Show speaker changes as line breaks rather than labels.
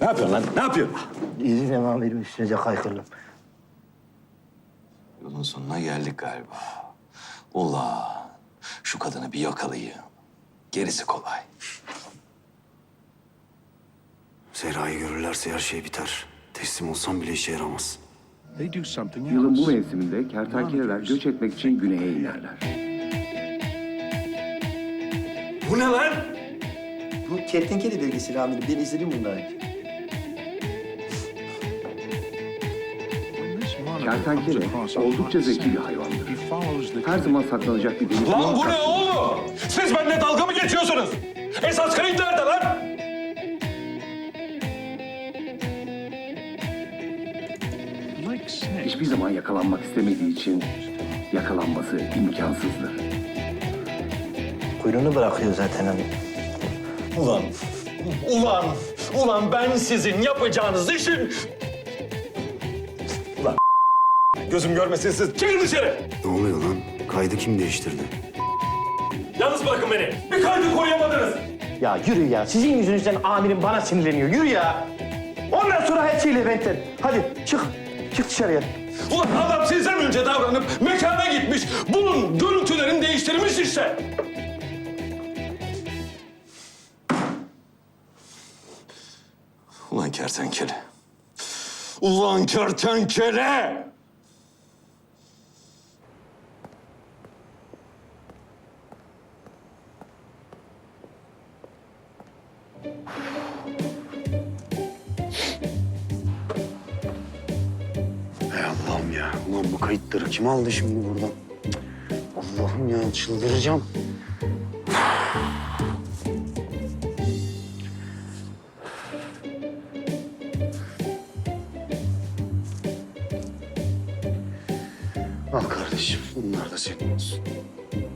Ne yapıyorsun lan? Ne yapıyorsun?
İzin amirim üstünüze kaykırdım.
Yolun sonuna geldik galiba. Ulan şu kadını bir yakalayayım. Gerisi kolay.
Zehra'yı görürlerse her şey biter. Teslim olsam bile işe yaramaz.
Yılın bu mevsiminde kertenkeleler göç etmek için güneye inerler.
Bu ne lan?
Bu kertenkele belgeseli amirim. Ben izledim bunları.
Kertenkele oldukça zeki bir hayvandır. Her zaman saklanacak bir deniz
Lan bu ne oğlum? Siz benimle dalga mı geçiyorsunuz? Esas kayıt nerede lan?
hiçbir zaman yakalanmak istemediği için yakalanması imkansızdır.
Kuyruğunu bırakıyor zaten amirim.
Ulan ben sizin yapacağınız işin... Ulan gözüm görmesin siz. Çıkın dışarı.
Ne oluyor lan? Kaydı kim değiştirdi?
Yalnız bırakın beni. Bir kaydı koruyamadınız.
Ya yürü ya. Sizin yüzünüzden amirim bana sinirleniyor. Yürü ya. Ondan sonra her şeyle benden. Hadi çık. Çık dışarıya.
Ulan adam sizden önce davranıp mekana gitmiş. Bunun görüntülerini değiştirmiş işte. Ulan kertenkele. Ulan kertenkele!
Ey Allah'ım ya. Ulan bu kayıtları kim aldı şimdi buradan? Cık. Allah'ım ya çıldıracağım. Al kardeşim. Bunlar da senin olsun.